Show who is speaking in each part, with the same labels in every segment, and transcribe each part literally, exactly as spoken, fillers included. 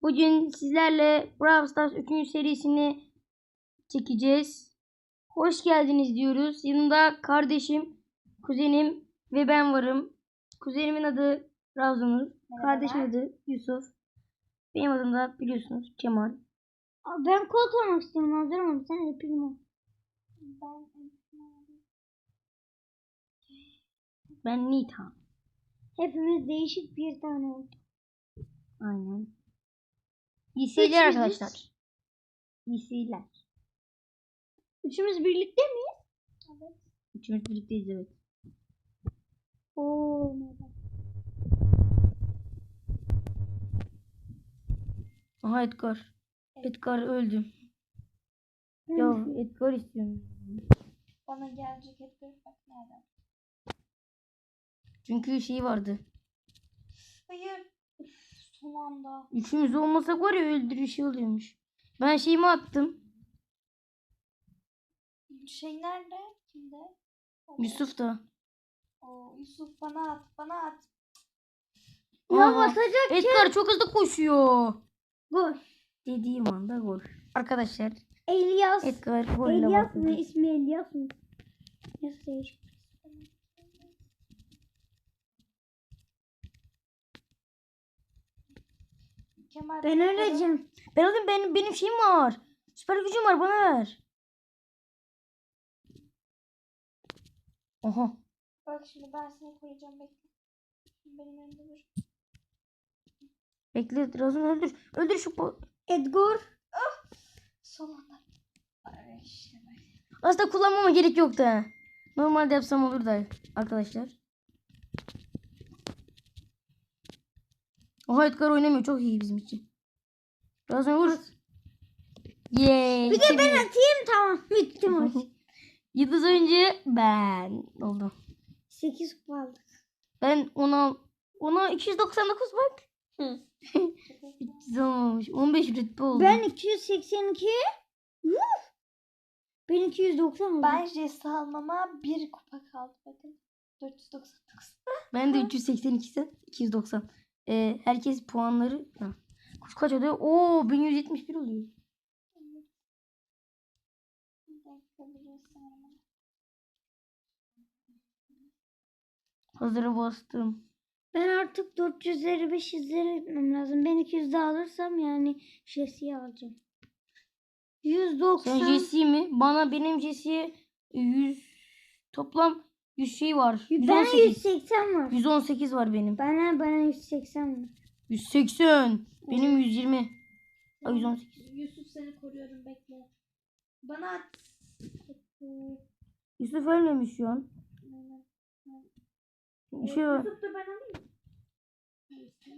Speaker 1: Bugün sizlerle Brawl Stars üçüncü serisini çekeceğiz. Hoş geldiniz diyoruz. Yanında kardeşim, kuzenim ve ben varım. Kuzenimin adı Razunur. Kardeşimin adı Yusuf. Benim adım da biliyorsunuz Kemal.
Speaker 2: Ben kod olmak istiyorum. Hazırım. Sen yapayım o.
Speaker 3: Ben
Speaker 1: Ben Nita.
Speaker 2: Hepimiz değişik bir tane olduk.
Speaker 1: Aynen. İyi seyirler
Speaker 2: Üçümüz-
Speaker 1: arkadaşlar. İyi seyirler.
Speaker 2: Üçümüz birlikte miyiz?
Speaker 3: evet.
Speaker 1: Üçümüz birlikteyiz, evet.
Speaker 2: Oo, merhaba.
Speaker 1: Aha Edgar. Edgar öldü. Ya Edgar istiyorum.
Speaker 3: Bana gelecek hep bir bak nereden?
Speaker 1: Çünkü şey vardı.
Speaker 3: Hayır. Üf, son anda.
Speaker 1: Üçümüz olmasak var ya öldürü şey oluyormuş. Ben şeyimi attım.
Speaker 3: Şey nerede? Kimde? O,
Speaker 1: Yusuf da.
Speaker 3: O, Yusuf bana at. Bana at.
Speaker 2: Ya
Speaker 1: Aha,
Speaker 2: basacak
Speaker 1: Edgar çok hızlı koşuyor.
Speaker 2: Gol.
Speaker 1: Dediğim anda gol. Arkadaşlar
Speaker 2: Elias.
Speaker 1: Edgar golle
Speaker 2: Elias
Speaker 1: başladı.
Speaker 2: mı? İsmi Elias mı? Nasıl değişik?
Speaker 3: Kemal
Speaker 2: Ben
Speaker 3: bana-
Speaker 2: öleceğim.
Speaker 1: Ben alayım, benim, benim şeyim var. Süper gücüm var, bana ver. Aha.
Speaker 3: Bak şimdi ben seni koruyacağım, bekle. Şimdi benim önümde dur.
Speaker 1: Bekle Razun, öldür. Öldür şu po-
Speaker 2: Edgar.
Speaker 3: Son anda. Ay, işte böyle.
Speaker 1: Aslında kullanmama gerek yoktu ha. Normalde yapsam olur da arkadaşlar. Oha, Edgar oynamıyor, çok iyi bizim için. Razun vur. Yeee.
Speaker 2: Bir de ben atayım, tamam. Bitti maç.
Speaker 1: Yıldız oyuncu ben oldum.
Speaker 2: sekiz kupa aldık.
Speaker 1: Ben ona ona iki yüz doksan dokuz bak. üç yüz olmamış. on beş rütbe oldu.
Speaker 2: Ben iki yüz seksen iki. Uf! Ben iki yüz doksan oldum.
Speaker 3: Ben Jesse almama bir kupa kaldı bakın. dört yüz doksan dokuz.
Speaker 1: Ben de üç yüz seksen iki sen iki yüz doksan. Ee, herkes puanları ha. Kaç kaç oluyor? Oo, bin yüz yetmiş bir oluyor.
Speaker 3: Bir dakika, bir saniye.
Speaker 1: Hazırı bastım.
Speaker 2: Ben artık dört yüzleri beş yüzleri etmem lazım. Ben iki yüz daha alırsam yani Jesse'yi alacağım. yüz doksan.
Speaker 1: Sen Jesse'yi mi? Bana benim Jesse'ye yüz toplam yüz şey var.
Speaker 2: Bana yüz
Speaker 1: yüz on sekiz.
Speaker 2: seksen var.
Speaker 1: yüz on sekiz var benim.
Speaker 2: Bana bana yüz seksen var.
Speaker 1: yüz seksen. Benim yüz yirmi. Ay, yüz on sekiz.
Speaker 3: Yusuf seni koruyorum, bekle. Bana at.
Speaker 1: Yusuf ölmemiş şu an. Bir şey var.
Speaker 3: Yusuf da ben alayım. Neyse.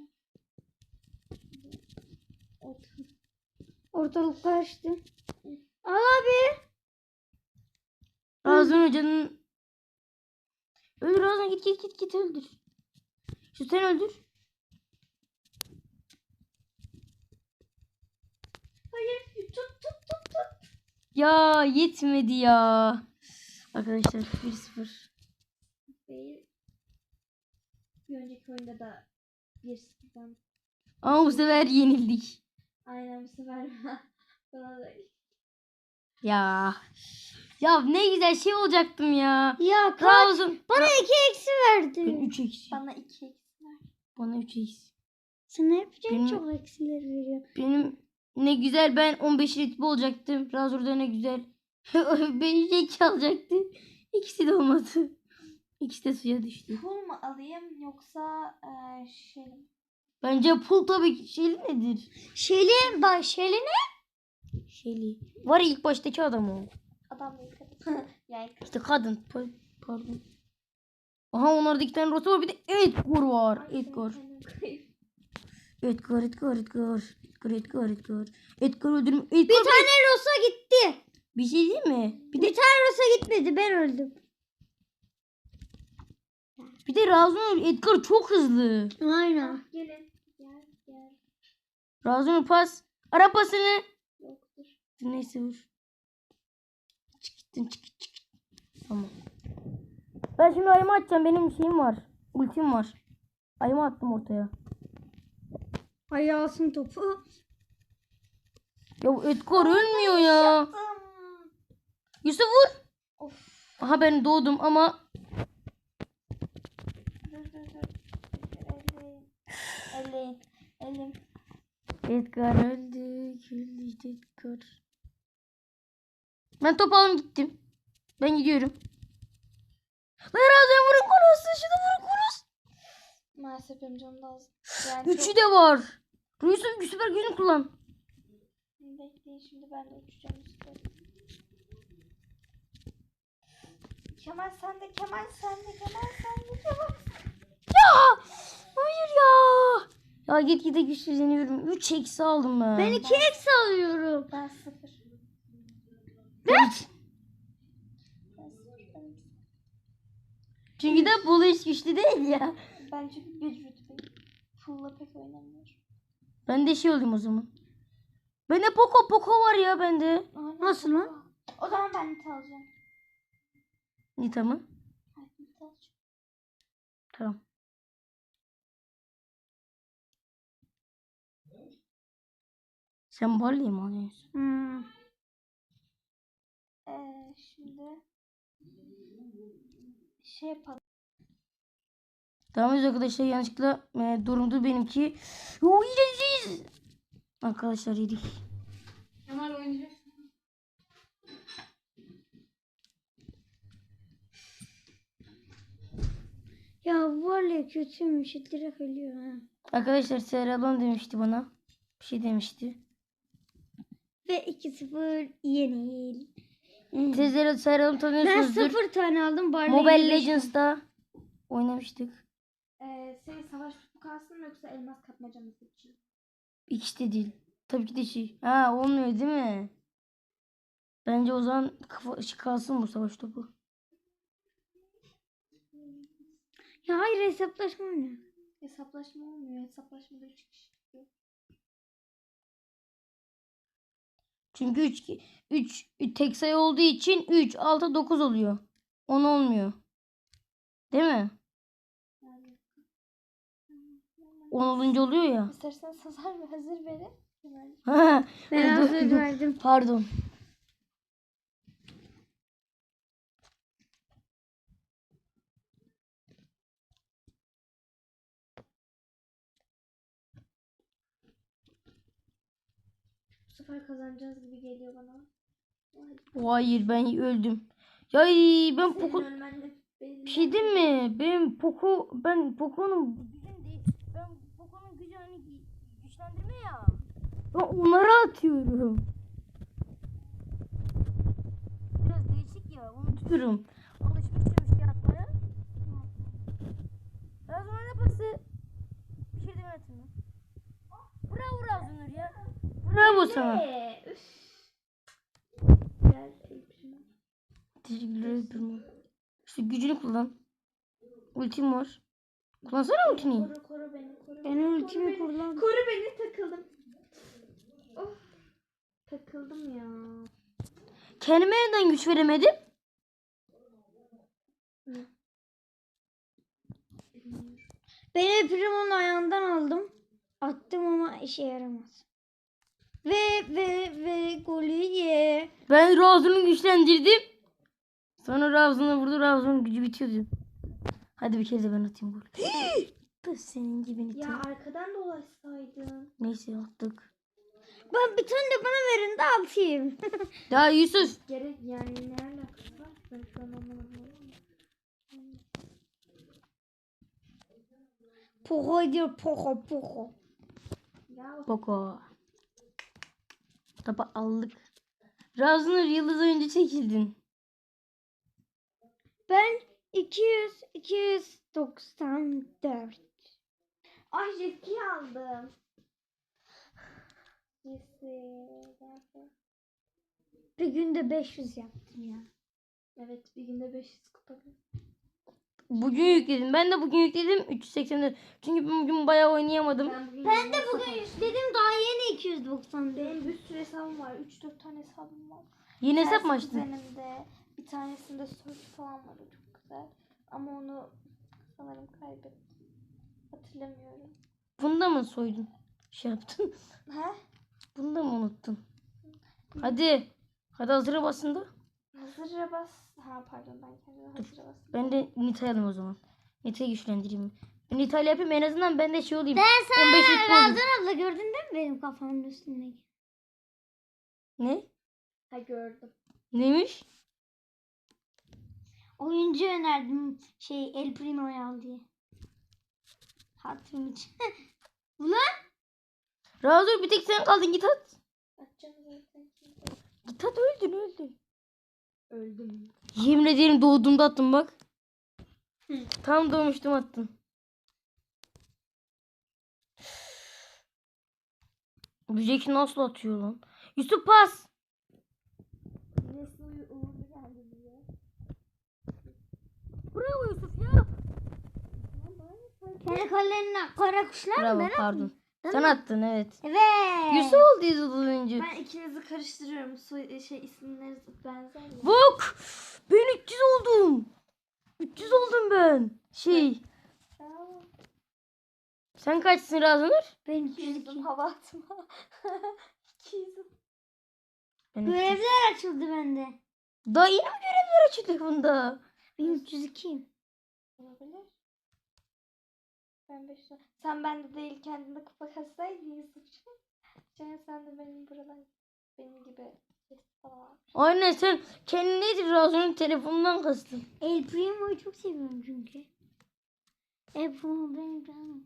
Speaker 3: Otur.
Speaker 2: Ortalık karıştı. Al abi.
Speaker 1: Razan Hoca'nın öldür Razan, git git git git öldür. Şu sen öldür.
Speaker 3: Hayır, tut tut tut tut.
Speaker 1: Ya yetmedi ya. Arkadaşlar bir sıfır.
Speaker 3: Değil. Bir önceki oyunda da bir sıfırdan.
Speaker 1: Ama bu sefer yenildik.
Speaker 3: Aynen, bu sefer bana da.
Speaker 1: Ya. Ya ne güzel şey olacaktım ya.
Speaker 2: Ya kaç?
Speaker 1: Razan.
Speaker 2: Bana iki eksi
Speaker 1: Ben
Speaker 2: verdi.
Speaker 1: üç eksi.
Speaker 3: Bana iki eksiler.
Speaker 1: Bana üç eksi.
Speaker 2: Sana yapacaksın,
Speaker 1: Benim-
Speaker 2: çok eksiler veriyor.
Speaker 1: Benim ne güzel ben on beş ritmi olacaktım. Razor'da ne güzel. beş iki alacaktı. İkisi de olmadı. İkisi de suya düştü.
Speaker 3: Pul mu alayım yoksa eee şey mi?
Speaker 1: Bence pul tabii ki. Şeyli nedir?
Speaker 2: Şeli, bak Şeli ne?
Speaker 1: Şeyli. Var ya, ilk baştaki adam o.
Speaker 3: Adam değil kadın. Yani kadın.
Speaker 1: İşte kadın. Pa- Pardon. Aha, onlarda iki tane Rosa var, bir de Edgar var. Edgar. Edgar, Edgar, Edgar. Edgar, Edgar, Edgar. Edgar öldürüm. Edgar
Speaker 2: Bir tane Rosa gitti.
Speaker 1: bir şey değil mi? Bir
Speaker 2: Bir
Speaker 1: de
Speaker 2: tane Rosa gitmedi, ben öldüm.
Speaker 1: bir de Razon Edgar çok hızlı.
Speaker 2: Aynen.
Speaker 3: Ah, gelin. Gel gel.
Speaker 1: Razon pas. Ara pasını.
Speaker 3: Yoktur.
Speaker 1: Neyse vur. Çık gittin, çık çık. Tamam. Ben şimdi ayımı atacağım. Benim şeyim var. Ultim var. Ayımı attım ortaya.
Speaker 2: Ayağı alsın topu.
Speaker 1: Ya bu Edgar ölmüyor ya.
Speaker 3: Yaptım.
Speaker 1: Yusuf vur.
Speaker 3: Of.
Speaker 1: Aha ben doğdum ama
Speaker 3: Dur dur dur. Elleyin. Elleyin. Elim.
Speaker 1: Edgar öldü. Öldü Edgar. Ben top alıp gittim. Ben gidiyorum. Lan Razan vurun konusu. Şunu vurun konusu.
Speaker 3: Maalesef benim canım da az. Yani
Speaker 1: Üçü
Speaker 3: çok...
Speaker 1: de var. Yusuf süper gücünü kullan.
Speaker 3: Bekleyin şimdi ben de uçacağım işte. Kemal sende, Kemal sende, Kemal sende, Kemal.
Speaker 1: Ya! Hayır ya. Ya git gide güçleniyorum. üç eksi aldım ben.
Speaker 2: Ben iki eksi alıyorum.
Speaker 3: Ben sıfır.
Speaker 1: Ben...
Speaker 3: Ben sıfır. Ben sıfır.
Speaker 1: Çünkü de Bolu hiç güçlü değil ya.
Speaker 3: Ben çünkü bir rütbeyim. Full'la pek oynamıyorum.
Speaker 1: Ben de şey olayım o zaman. Bende Poco Poco var ya bende.
Speaker 3: Aynen.
Speaker 2: Nasıl lan?
Speaker 3: O zaman ben Nita alacağım.
Speaker 1: Nita mı?
Speaker 3: Evet, Nita alacağım.
Speaker 1: Tamam. Sen Barley'i mi alıyorsun?
Speaker 2: Hmm.
Speaker 3: Ee, şimdi şey yapalım.
Speaker 1: Tamam arkadaşlar yanlışlıkla e, durumdu benimki. Yo yiyeceğiz. Arkadaşlar yedik.
Speaker 3: Kemal oynayacak.
Speaker 2: Ya vallahi kötüymüş. Direkt ölüyor ha.
Speaker 1: Arkadaşlar Serhan demişti bana. Bir şey demişti.
Speaker 2: Ve iki sıfır yenil.
Speaker 1: Sizler Serhan'ı
Speaker 2: Ben
Speaker 1: tanıyorsunuzdur.
Speaker 2: sıfır tane aldım. Barley'le
Speaker 1: Mobile
Speaker 2: beş
Speaker 1: Legends'da oynamıştık.
Speaker 3: Ee, senin savaş topu kalsın mı yoksa elmas kapmaca mı seçeyim?
Speaker 1: İkisi de değil. Tabii ki de şey. Ha olmuyor değil mi? Bence o zaman kafa, şey kalsın bu savaş topu.
Speaker 2: Ya hayır hesaplaşma oynuyor.
Speaker 3: Hesaplaşma olmuyor. Hesaplaşmada üç kişi çıkıyor.
Speaker 1: Çünkü üç üç tek sayı olduğu için üç, altı, dokuz oluyor. on olmuyor. Değil mi?
Speaker 3: Yani.
Speaker 1: on olunca oluyor ya.
Speaker 3: İstersen hazır ve hazır verin. Kemal.
Speaker 2: Ben
Speaker 1: Dur,
Speaker 2: hazır
Speaker 1: dur.
Speaker 2: verdim.
Speaker 1: Pardon.
Speaker 3: Bu sefer kazanacağız gibi geliyor bana.
Speaker 1: Hayır ben öldüm. Ya ben
Speaker 3: Senin
Speaker 1: Poco
Speaker 3: ölmenle benim
Speaker 1: bir şey diyeyim mi? Ben Poco ben Poco'nun gücünü değil. Ben Poco'nun gücü hani güçlendirme ya. Ben onlara atıyorum. Biraz değişik ya unutuyorum. Alışmışım işte atmaya. Razunur ne pası? Bir şey demedim mi? Bravo Razunur ya. Bravo sana.
Speaker 3: Ee, üf. Gel, Elif'im.
Speaker 1: Teşekkürler ederim. İşte gücünü kullan. Ultim var. Kullansana ultini.
Speaker 3: Koru koru beni koru.
Speaker 2: Ben
Speaker 3: beni,
Speaker 2: ultimi
Speaker 3: koru beni.
Speaker 2: kullandım.
Speaker 3: Koru beni takıldım. Of. Takıldım ya.
Speaker 1: Kendime neden güç veremedim?
Speaker 2: Ben Primo'nun ayağından aldım. Attım ama işe yaramaz. Ve ve ve golü ye.
Speaker 1: Ben Razun'u güçlendirdim. Sonra Razun'a vurdu. Razun'un gücü bitiyordu. Hadi bir kere de ben atayım gol. Da senin gibi Nita.
Speaker 3: Ya arkadan dolaşsaydın.
Speaker 1: Neyse attık.
Speaker 2: Ben bir tane de bana verin de atayım.
Speaker 1: Ya Yusuf.
Speaker 3: Gerek yani ne alakası var? Ben şu an anlamadım.
Speaker 2: Poco diyor poco poco.
Speaker 3: Ya
Speaker 1: Boko. Topu aldık. Razun'u yıldız oyuncu çekildin.
Speaker 2: Ben iki yüz iki yüz doksan dört.
Speaker 3: ay Jesse'yi aldım. Jesse. Nerede?
Speaker 2: Bir günde beş yüz yaptım ya.
Speaker 3: Evet bir günde beş yüz kupa.
Speaker 1: Bugün yükledim. Ben de bugün yükledim. üç yüz seksen dört. Çünkü ben bugün bayağı oynayamadım.
Speaker 3: Ben, bugün
Speaker 2: Ben de
Speaker 3: yirmi
Speaker 2: bugün
Speaker 3: kupa-
Speaker 2: yükledim daha yeni iki yüz doksan dört.
Speaker 3: Benim bir sürü hesabım var. üç dört tane hesabım var.
Speaker 1: Yeni hesap mı
Speaker 3: Tersi
Speaker 1: açtın?
Speaker 3: düzenimde. Bir tanesinde search falan var. O çok güzel. Ama onu sanırım kaybettim. Hatırlamıyorum.
Speaker 1: Bunda mı soydun? şey yaptın?
Speaker 3: He?
Speaker 1: Bunu da mı unuttun? Hadi. Hadi hazıra basın da.
Speaker 3: Hazıra bas. Ha pardon ben kendime hazıra bas.
Speaker 1: Ben de Nita'yı alayım o zaman. Nita'yı güçlendireyim. Ben Nita'yla yapayım en azından ben de şey olayım.
Speaker 2: Ben sana
Speaker 1: on beş litre olayım.
Speaker 2: Razan abla gördün değil mi benim kafamın üstündeki?
Speaker 1: Ne?
Speaker 3: Ha gördüm.
Speaker 1: Neymiş?
Speaker 2: Oyuncu önerdim şey El Primo'yu al diye. Hatırım için. Ulan
Speaker 1: Razor bir tek sen kaldın git at.
Speaker 3: Atacağım zaten.
Speaker 1: Git at öldün öldün.
Speaker 3: Öldüm.
Speaker 1: Yemin ederim doğduğumda attım bak. Tam doğmuştum attın. Bu Jack nasıl atıyor lan? Yusuf pas.
Speaker 3: Nesli uğurlu geldi bize.
Speaker 1: Bravo Yusuf ya.
Speaker 2: kendi kalemine kara kuşlar mı
Speaker 1: Bravo
Speaker 2: ben
Speaker 1: pardon.
Speaker 2: attım? Ben
Speaker 1: Sen
Speaker 2: mi?
Speaker 1: attın evet.
Speaker 2: Evet.
Speaker 1: Yusuf oldu Yusuf oyuncu.
Speaker 3: Ben ikinizi karıştırıyorum. Soy şey isimleri benzer ya.
Speaker 1: Bak. Ben üç yüz oldum. üç yüz oldum ben. Şey.
Speaker 3: Bravo.
Speaker 1: Sen kaçsın Razanur?
Speaker 2: Ben üç yüz iki.
Speaker 3: Yüzüm hava atma. İki yüzüm.
Speaker 1: Ben üç yüz.
Speaker 2: Görevler açıldı bende.
Speaker 1: Daha yeni mi görevler açıldı bunda?
Speaker 2: Ben üç yüz ikiyim.
Speaker 3: Olabilir. Ben beş Sen bende değil kendine kupa kassaydın Yusuf'cum. Can sen de benim buradan benim gibi ses falan.
Speaker 1: Aynen sen kendin nedir Razanur'un telefonundan kastın.
Speaker 2: El Primo'yu çok seviyorum çünkü. El Primo benim canım.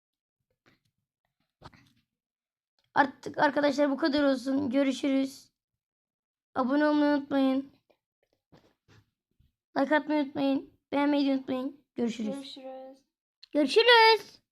Speaker 1: Artık arkadaşlar bu kadar olsun. Görüşürüz. Abone olmayı unutmayın. Like atmayı unutmayın. Beğenmeyi de unutmayın. Görüşürüz.
Speaker 3: Görüşürüz.
Speaker 2: Görüşürüz.